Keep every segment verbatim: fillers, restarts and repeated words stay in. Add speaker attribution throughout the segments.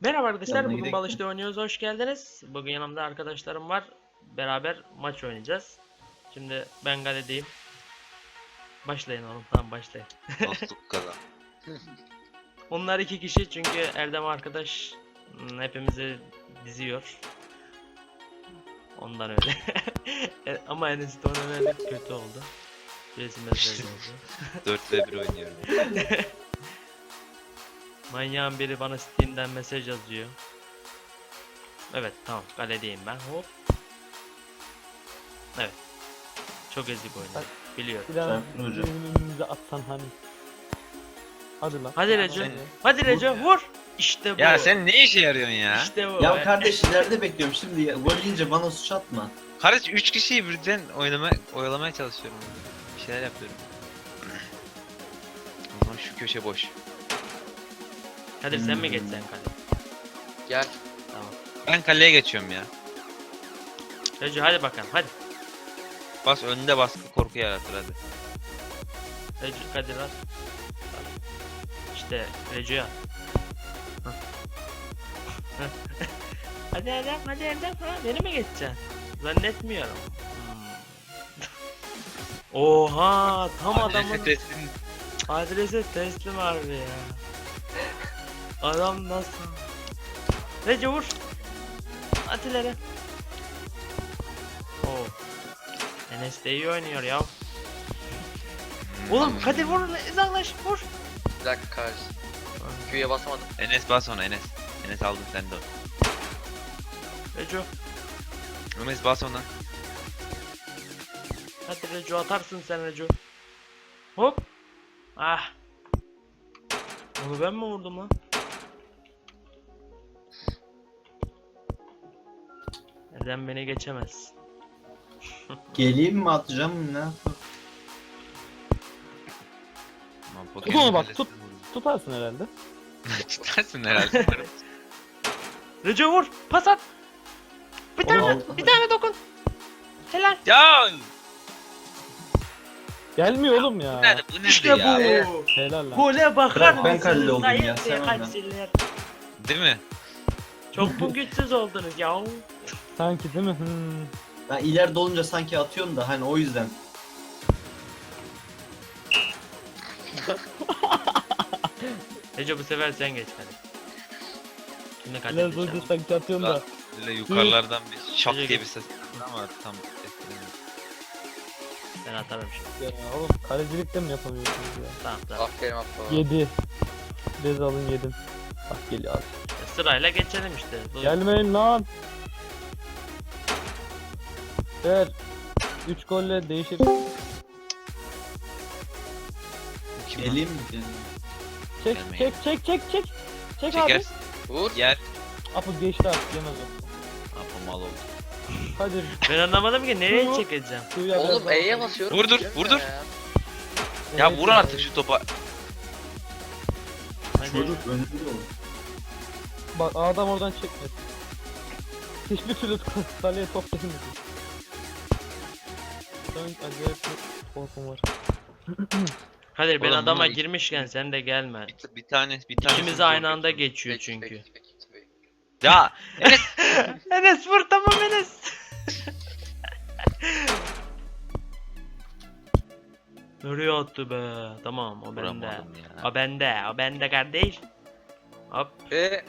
Speaker 1: Merhaba arkadaşlar,
Speaker 2: Yanına
Speaker 1: bugün
Speaker 2: gidelim.
Speaker 1: Balış'ta oynuyoruz, hoş geldiniz. Bugün yanımda arkadaşlarım var, beraber maç oynayacağız. Şimdi ben kaledeyim. Başlayın oğlum, tamam başlayın.
Speaker 3: Dostluk kazan.
Speaker 1: Onlar iki kişi çünkü Erdem arkadaş hmm, hepimizi diziyor. Ondan öyle. E, Ama Enes de ona verdik, kötü oldu. Birisi mesaj oldu.
Speaker 3: dört ve bir oynuyorum.
Speaker 1: Manyağın biri bana Steam'den mesaj yazıyor. Evet tamam, kaledeyim ben, hop. Evet. Çok ezik oynadım, biliyorum.
Speaker 4: Bir daha
Speaker 2: Serpil hocam.
Speaker 4: önümüze atsan hani. Hadi lan.
Speaker 1: Hadi Recep.
Speaker 3: Sen-
Speaker 1: Hadi Recep vur. İşte bu.
Speaker 3: Ya sen ne işe yarıyorsun ya?
Speaker 1: İşte bu.
Speaker 2: Ya
Speaker 1: be.
Speaker 2: kardeş ileride bekliyorum şimdi ya. Gol yiyince bana suç atma.
Speaker 3: Kardeş üç kişiyi birden oynama, oyalamaya çalışıyorum. Bir şeyler yapıyorum. O zaman şu köşe boş.
Speaker 1: Kadir sen mi
Speaker 2: Hmm.
Speaker 1: geçsen Kadir?
Speaker 5: Gel.
Speaker 1: Tamam.
Speaker 3: Ben kaleye geçiyorum ya.
Speaker 1: Recep hadi bakalım hadi.
Speaker 3: Bas önünde baskı korku yaratır hadi.
Speaker 1: Recep Kadir at. İşte Recep'e at. Hah. Hah. Hadi Erdem hadi Erdem, ha beni mi geçeceksin? Zannetmiyorum. Hmm. Oha tam adamın
Speaker 3: Adrese teslim.
Speaker 1: adrese teslim harbi ya. Adam nasıl? Recep vur. At ileri. Oo. Enes de iyi oynuyor ya. Oğlum Kadir vur, uzaklaş vur.
Speaker 5: Bir dakika kardeş. Q'ya basamadım.
Speaker 3: Enes bas ona Enes. Enes aldın sen de o.
Speaker 1: Reco.
Speaker 3: Enes bas ona.
Speaker 1: Hadi Reco, atarsın sen Reco. Hop. Ah. Onu ben mi vurdum lan? Neden beni geçemez?
Speaker 2: Geleyim mi atacağım ne yapayım?
Speaker 3: Aman,
Speaker 4: Tut
Speaker 3: Pokemon'un
Speaker 4: onu bak,
Speaker 3: kalesine
Speaker 4: tut.
Speaker 3: vurdum.
Speaker 4: Tutarsın herhalde.
Speaker 3: Tutarsın herhalde.
Speaker 1: Reco vur. Pas at. Bir tane,
Speaker 2: Oğlum,
Speaker 1: bir tane dokun. Helal.
Speaker 3: Ya
Speaker 4: Gelmiyor oğlum ya.
Speaker 3: bu nerede bu nerede
Speaker 1: İşte
Speaker 3: ya?
Speaker 1: bu.
Speaker 4: Helal lan.
Speaker 1: Gole bakar
Speaker 2: Bırak, ben
Speaker 1: mısınız?
Speaker 2: kalede oldum
Speaker 1: Sayın
Speaker 2: ya, sen
Speaker 1: seyirciler?
Speaker 3: Değil mi?
Speaker 1: Çok mu güçsüz oldunuz ya?
Speaker 4: Sanki değil mi? Hmm.
Speaker 2: Ben ileride olunca sanki atıyorum da hani o yüzden.
Speaker 1: Reco bu sefer sen geç hadi. Şimdi Kadir
Speaker 4: Biraz
Speaker 1: geçer.
Speaker 4: önce sanki atıyorum da.
Speaker 3: Böyle yukarılardan bir şak
Speaker 1: Gece
Speaker 3: diye
Speaker 1: gel.
Speaker 3: bir ses geldi ama tam ses gelmedi.
Speaker 1: Ben atarım şimdi.
Speaker 4: Ya oğlum kalecilik de mi yapamıyorsunuz ya?
Speaker 1: Tamam tamam.
Speaker 5: Aferin Abdullah.
Speaker 4: Yedi. Bez alın yedim. Bak geliyor abi.
Speaker 1: Sırayla geçelim işte. Bu-
Speaker 4: Gelmeyin lan. Ver. üç golle değişir.
Speaker 3: Bu kim lan?
Speaker 2: Geleyim mi? Geleyim.
Speaker 4: Çek
Speaker 3: Gelmeyin.
Speaker 4: çek çek çek çek. Çek abi.
Speaker 3: Çekersin.
Speaker 5: Vur.
Speaker 3: Yer.
Speaker 4: Apo geçti artık yemez o.
Speaker 3: Apa mal oldu.
Speaker 4: Hadi.
Speaker 1: Ben anlamadım ki nereye
Speaker 4: Şu-
Speaker 1: çekeceğim.
Speaker 4: Suya biraz
Speaker 5: Oğlum
Speaker 4: daha-
Speaker 5: E'ye basıyorum.
Speaker 3: Vurdur,
Speaker 5: Diyorum
Speaker 3: vurdur.
Speaker 5: ya.
Speaker 3: Ya
Speaker 4: Evet,
Speaker 3: vur artık şu topa.
Speaker 1: Hadi.
Speaker 2: Çocuk önünde olur.
Speaker 4: Bak adam oradan çekmedi. Hiçbir türlü kaleye top gelmedi. Ben acayip bir korkum var.
Speaker 1: Kadir ben
Speaker 3: Oğlum
Speaker 1: adama
Speaker 3: bunu-
Speaker 1: girmişken sen de gelme.
Speaker 3: Bir, bir tane bir tane.
Speaker 1: İkimiz aynı anda geçiyor
Speaker 5: Peki,
Speaker 1: çünkü.
Speaker 5: peki, peki, peki.
Speaker 3: Ya Enes
Speaker 1: Enes vur, tamam Enes. Nereye attı be? Tamam o bende.
Speaker 3: vuramadım ya.
Speaker 1: O bende, o bende kardeş. Hop.
Speaker 5: Ve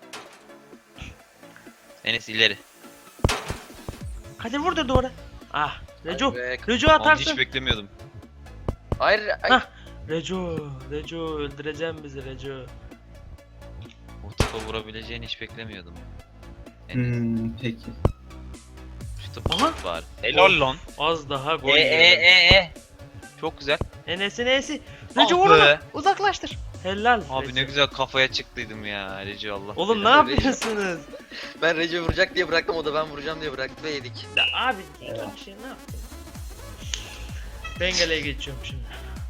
Speaker 3: Enes ileri.
Speaker 1: Kadir vur da doğru. Ah. Reco.
Speaker 5: Hadi be.
Speaker 1: Reco
Speaker 3: Onu
Speaker 1: atarsın.
Speaker 3: hiç beklemiyordum.
Speaker 5: Hayır. Ay.
Speaker 1: Hah. Reco. Reco öldüreceğim bizi Reco.
Speaker 3: O topa vurabileceğini hiç beklemiyordum. Enes
Speaker 2: Hmm, peki.
Speaker 3: şu topu
Speaker 1: Aha.
Speaker 3: tut bari. Helal lan.
Speaker 1: Az daha gol
Speaker 3: E e
Speaker 1: yedim.
Speaker 3: e e. Çok güzel.
Speaker 1: Enes'in E'si.
Speaker 3: Ah
Speaker 1: Reco vur
Speaker 3: be.
Speaker 1: onu. Uzaklaştır. Helal.
Speaker 3: Abi
Speaker 1: Reco.
Speaker 3: ne güzel kafaya çıktıydım ya. Reci Allah.
Speaker 1: Oğlum ne
Speaker 3: belanı.
Speaker 1: yapıyorsunuz?
Speaker 5: Ben Recep vuracak diye bıraktım, o da ben vuracağım diye bıraktı ve yedik.
Speaker 1: Ya abi iki şey ne yaptın? Ben galeye geçiyorum şimdi.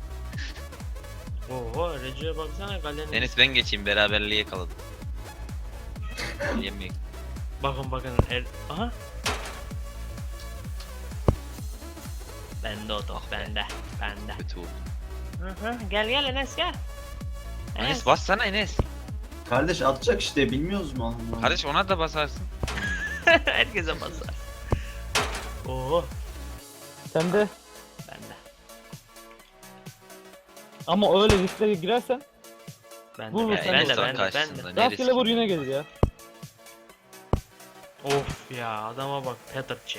Speaker 1: Oho Recep'e baksana kalenin.
Speaker 3: Enes ben geçeyim beraberliği yakaladım. Yemeyek.
Speaker 1: Bakın bakın er... Aha. Bende o top bende. Bende.
Speaker 3: Kötü oldu.
Speaker 1: Hı hı. Gel gel Enes gel.
Speaker 3: Enes bassana Enes.
Speaker 2: Kardeş atacak işte bilmiyoruz mu Allah?
Speaker 3: Kardeş ona da basarsın.
Speaker 1: Herkese basar. Oo,
Speaker 4: Sen de
Speaker 1: ben de.
Speaker 4: ama öyle risklere girersen
Speaker 1: Ben
Speaker 4: Vur,
Speaker 1: de,
Speaker 4: vur,
Speaker 1: ben,
Speaker 4: sen
Speaker 1: ben
Speaker 4: de
Speaker 1: de,
Speaker 3: vur.
Speaker 1: ben de, ben de.
Speaker 3: Karşısında. Ne
Speaker 4: rastgele
Speaker 3: riski?
Speaker 4: vur yine gelir ya.
Speaker 1: Of ya, adama bak, Peterçi.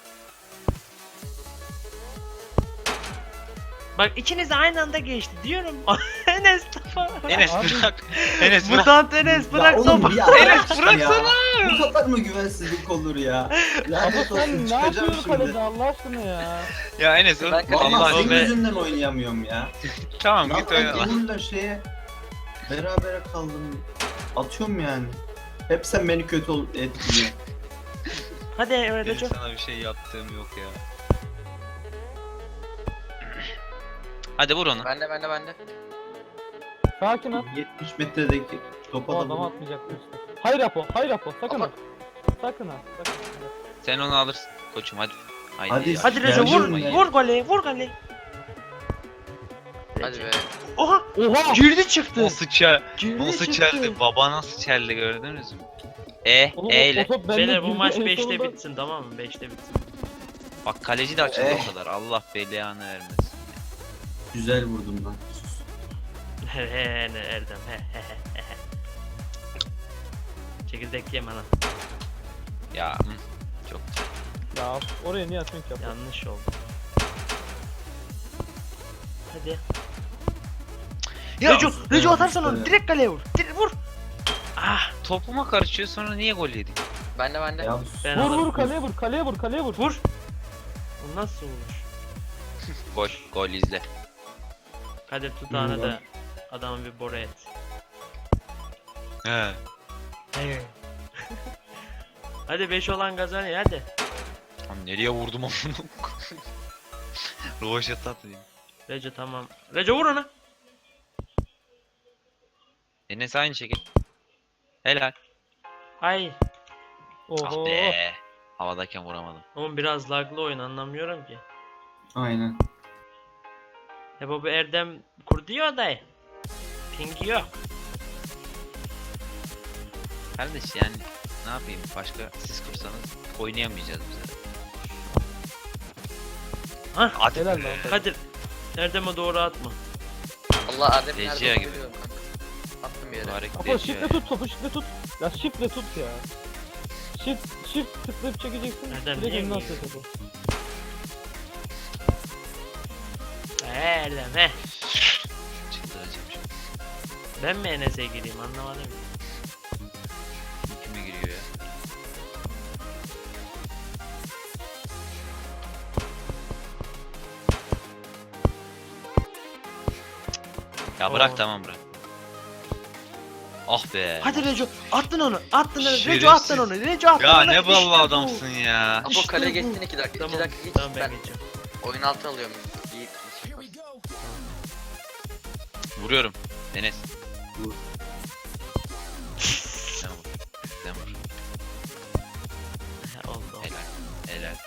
Speaker 1: Bak ikiniz de aynı anda geçti diyorum. Enes topa.
Speaker 3: Enes
Speaker 4: Abi-
Speaker 3: bırak. Enes bırak.
Speaker 1: Mutant Enes bırak
Speaker 2: Ya oğlum
Speaker 1: topu.
Speaker 2: ya,
Speaker 3: Enes,
Speaker 2: ya.
Speaker 3: bıraksana.
Speaker 2: Bu kadar mı güvensizlik olur ya?
Speaker 4: Ama
Speaker 2: Lanet olsun
Speaker 4: sen ne
Speaker 2: çıkacağım
Speaker 4: yapıyorsun
Speaker 2: şimdi.
Speaker 4: kalede Allah aşkına ya.
Speaker 3: Ya Enes
Speaker 5: Ben
Speaker 3: Allah
Speaker 5: kaleyim.
Speaker 2: Vallahi
Speaker 3: aşkına.
Speaker 2: senin
Speaker 1: be.
Speaker 2: yüzünden oynayamıyorum ya.
Speaker 3: Tamam
Speaker 2: Ya
Speaker 3: git
Speaker 2: ben
Speaker 3: oyna.
Speaker 2: Timur'la şeye berabere kaldım. Atıyorum yani. Hep sen beni kötü ol etkiliyor.
Speaker 1: Hadi
Speaker 3: Benim
Speaker 1: öyle çok.
Speaker 3: sana bir şey yaptığım yok ya. Hadi vur onu.
Speaker 5: Bende bende bende.
Speaker 4: Sakin ol.
Speaker 2: yetmiş metredeki topa
Speaker 4: O
Speaker 2: da
Speaker 4: adam
Speaker 2: vur.
Speaker 4: atmayacaktı işte. Hayır Apo, hayır Apo. Sakın
Speaker 5: Ama-
Speaker 4: ha. Sakın ha. Sakın.
Speaker 3: Sen onu alırsın koçum hadi. Haydi.
Speaker 2: Hadi.
Speaker 3: ya.
Speaker 1: Hadi Reco
Speaker 2: Geldim
Speaker 1: vur,
Speaker 2: mi?
Speaker 1: vur golü, vur golü.
Speaker 5: Hadi be.
Speaker 1: Oha,
Speaker 4: Oha!
Speaker 1: girdi çıktı.
Speaker 3: Nasıl çel?
Speaker 1: Girdi
Speaker 3: Nasıl
Speaker 1: çıktı.
Speaker 3: çeldi? Baba nasıl çeldi gördünüz mü? E,
Speaker 4: Oğlum,
Speaker 3: E
Speaker 4: o
Speaker 3: ile.
Speaker 4: top bende
Speaker 1: Beyler bu
Speaker 4: girdi,
Speaker 1: maç
Speaker 4: en
Speaker 1: beşte
Speaker 4: sonunda-
Speaker 1: bitsin, tamam mı? beşte bitsin.
Speaker 3: Bak kaleci de açıldı
Speaker 2: Eh.
Speaker 3: o kadar. Allah belanı vermesin.
Speaker 2: Güzel vurdum lan.
Speaker 1: He he ne Erdem he he he he. Çekirdek yeme lan.
Speaker 3: Ya hı, çok.
Speaker 4: Ya oraya niye atıyorsun ki Apo?
Speaker 1: Yanlış oldu. Hadi.
Speaker 3: Ya,
Speaker 1: Reco, Reco
Speaker 2: ya,
Speaker 1: atarsan onu
Speaker 2: işte.
Speaker 1: direkt kaleye vur. Direkt vur. Ah,
Speaker 3: Topuma karışıyor sonra niye gol yedik?
Speaker 5: Bende bende.
Speaker 2: Ya
Speaker 1: ben
Speaker 4: Vur
Speaker 1: alırım.
Speaker 4: vur kaleye vur, kaleye vur, kaleye vur.
Speaker 1: Vur. Bu nasıl olur?
Speaker 3: Gol, gol izle.
Speaker 1: Kadir tutağını
Speaker 2: Vur
Speaker 1: da
Speaker 2: lan.
Speaker 1: adamı bir bora et.
Speaker 3: He.
Speaker 1: Hadi beş olan kazanıyor hadi.
Speaker 3: Tam nereye vurdum onu? Rovaşat atayım.
Speaker 1: Reco tamam. Reco vur ona.
Speaker 3: Enes aynı şekil. Helal.
Speaker 1: Ay.
Speaker 4: Oho.
Speaker 3: Ah be. Havadayken vuramadım.
Speaker 1: Oğlum biraz laglı oyun, anlamıyorum ki.
Speaker 2: aynen.
Speaker 1: E baba Erdem kurdu ya odayı. Pingi yok.
Speaker 3: Kardeş yani ne yapayım başka siz kursanız oynayamayacağız biz de.
Speaker 1: Hah.
Speaker 3: Hadi
Speaker 4: Helal
Speaker 3: be.
Speaker 4: lan.
Speaker 1: Kadir. Erdem'e doğru atma.
Speaker 5: Allah Erdem nerede
Speaker 3: Rejiye
Speaker 5: olduğunu
Speaker 3: gibi.
Speaker 5: biliyorum kanka. Attım bir yere.
Speaker 3: Hareket
Speaker 4: Apo
Speaker 3: ediyor
Speaker 4: shift'le
Speaker 3: ya.
Speaker 4: tut topu, shift'le tut. Ya shift'le tut ya. Shift, shift tıklayıp çekeceksin.
Speaker 1: Erdem,
Speaker 4: Direkt
Speaker 1: niye
Speaker 4: önüne
Speaker 1: giyiyor?
Speaker 4: atıyor topu.
Speaker 1: Erdem he.
Speaker 3: Çıldıracağım şimdi.
Speaker 1: Ben mi Enes'e gireyim anlamadım.
Speaker 3: Kime giriyor ya? Ya bırak
Speaker 1: Oo.
Speaker 3: tamam bırak. Ah be.
Speaker 1: Hadi Reco attın onu, attın onu. Reco
Speaker 3: Şerefsiz.
Speaker 1: attın onu. Reco attın
Speaker 3: Ya
Speaker 1: onu.
Speaker 3: ne
Speaker 1: İşte
Speaker 3: ballı
Speaker 1: bu.
Speaker 3: adamsın ya.
Speaker 5: Apo
Speaker 1: İşte
Speaker 5: kaleye
Speaker 1: bu.
Speaker 5: geçsin iki dakika.
Speaker 1: Tamam,
Speaker 5: iki dakika geç.
Speaker 1: tamam ben,
Speaker 5: ben
Speaker 1: geçeceğim.
Speaker 5: oyun altı alıyorum. İyi.
Speaker 3: Vuruyorum. Enes.
Speaker 2: Vur.
Speaker 3: Sen vur. Sen vur.
Speaker 1: He, oldu oldu.
Speaker 3: Helal. Helal.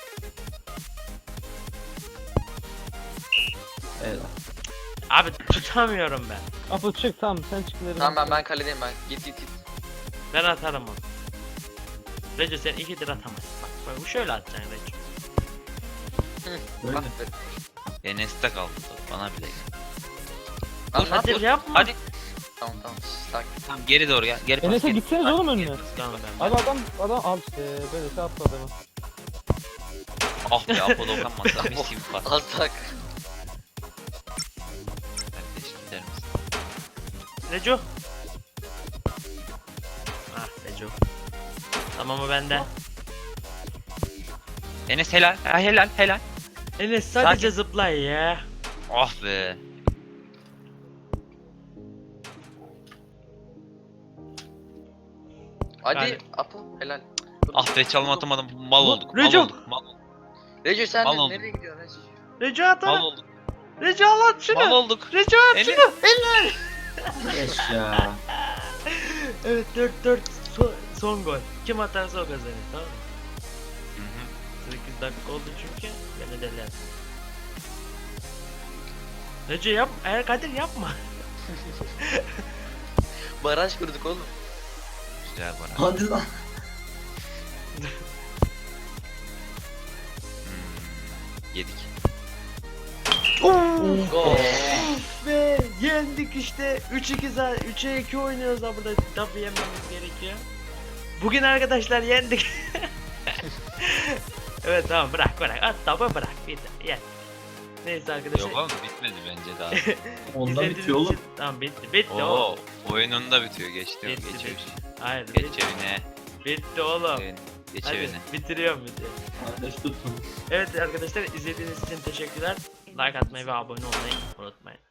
Speaker 2: Evet.
Speaker 1: Abi tutamıyorum ben.
Speaker 4: Apo çık tamam sen çık ileri.
Speaker 5: Tamam ben ben kaledeyim ben. Git git git.
Speaker 1: Ben atarım onu. Reco sen ikidir atamazsın. Bak, bak bu şöyle atacaksın Reco.
Speaker 2: Böyle.
Speaker 5: Ah be.
Speaker 3: Enes'te kaldı. top, Bana bile geldi.
Speaker 5: Lan ne
Speaker 1: Hadi
Speaker 5: yapıyorsun?
Speaker 1: yapma.
Speaker 3: Hadi.
Speaker 5: Tamam tamam. Sakin.
Speaker 3: Tamam geri doğru gel. Geri pas.
Speaker 4: Enes'e
Speaker 3: geri
Speaker 4: gitseniz
Speaker 3: pas,
Speaker 4: oğlum
Speaker 3: geri
Speaker 4: önüne.
Speaker 3: pas, geri
Speaker 1: Tamam
Speaker 3: pas.
Speaker 1: ben.
Speaker 4: Abi adam adam al işte böyle şey yaptı adamı.
Speaker 3: Ah be Apo dokunmasa mis gibi pas.
Speaker 5: Alsak.
Speaker 3: Kardeş gider misin?
Speaker 1: Reco. Ah Reco. Tamam o bende.
Speaker 3: Enes helal. Ha, helal helal.
Speaker 1: Enes sadece zıplay ya.
Speaker 3: Ah be.
Speaker 5: Hadi
Speaker 1: Yani-
Speaker 5: Apo helal.
Speaker 3: Ah be çalım atamadım. Mal
Speaker 1: Bu-
Speaker 3: olduk. Mal
Speaker 1: Recep!
Speaker 3: olduk. Mal,
Speaker 5: Reco sen
Speaker 3: Mal
Speaker 5: de
Speaker 3: oldu.
Speaker 5: nereye gidiyorsun Reco?
Speaker 1: Reco at
Speaker 3: mal
Speaker 1: onu.
Speaker 3: olduk.
Speaker 1: Reco al at şunu.
Speaker 3: Mal olduk.
Speaker 1: Reco at
Speaker 3: Enes.
Speaker 1: şunu. Eller.
Speaker 2: Geç ya.
Speaker 1: Evet dört dört son, son gol. Kim atarsa o kazanır tamam mı?
Speaker 3: Hı hı.
Speaker 1: sekiz dakika oldu çünkü beni deler. Reco yap, eğer Kadir yapma.
Speaker 5: Baraj kurduk oğlum.
Speaker 3: Güzel bana.
Speaker 2: Hadi lan.
Speaker 3: Hmm, yedik.
Speaker 5: Gol.
Speaker 1: Ve yendik işte. üç iki za- üçe iki oynuyoruz da burada tabi yememiz gerekiyor. Bugün arkadaşlar yendik. Evet tamam bırak bırak. At tabi bırak. Bitti. Yen. Neyse arkadaşlar.
Speaker 3: Yok oğlum bitmedi bence daha.
Speaker 2: Onda
Speaker 1: izlediğiniz
Speaker 2: bitiyor oğlum.
Speaker 1: için- Tamam bitti. Bitti
Speaker 3: Oo,
Speaker 1: oğlum.
Speaker 3: oyunun da bitiyor. Geçti.
Speaker 1: Bitti,
Speaker 3: Geç
Speaker 1: bitti.
Speaker 3: evine.
Speaker 1: Hayır
Speaker 3: Geç
Speaker 1: bitti.
Speaker 3: evine.
Speaker 1: Bitti oğlum.
Speaker 3: Evine. Geç
Speaker 1: Hadi
Speaker 3: evine.
Speaker 1: bitiriyorum videoyu.
Speaker 2: Kardeş tutun.
Speaker 1: Evet arkadaşlar izlediğiniz için teşekkürler. Like atmayı ve abone olmayı unutmayın.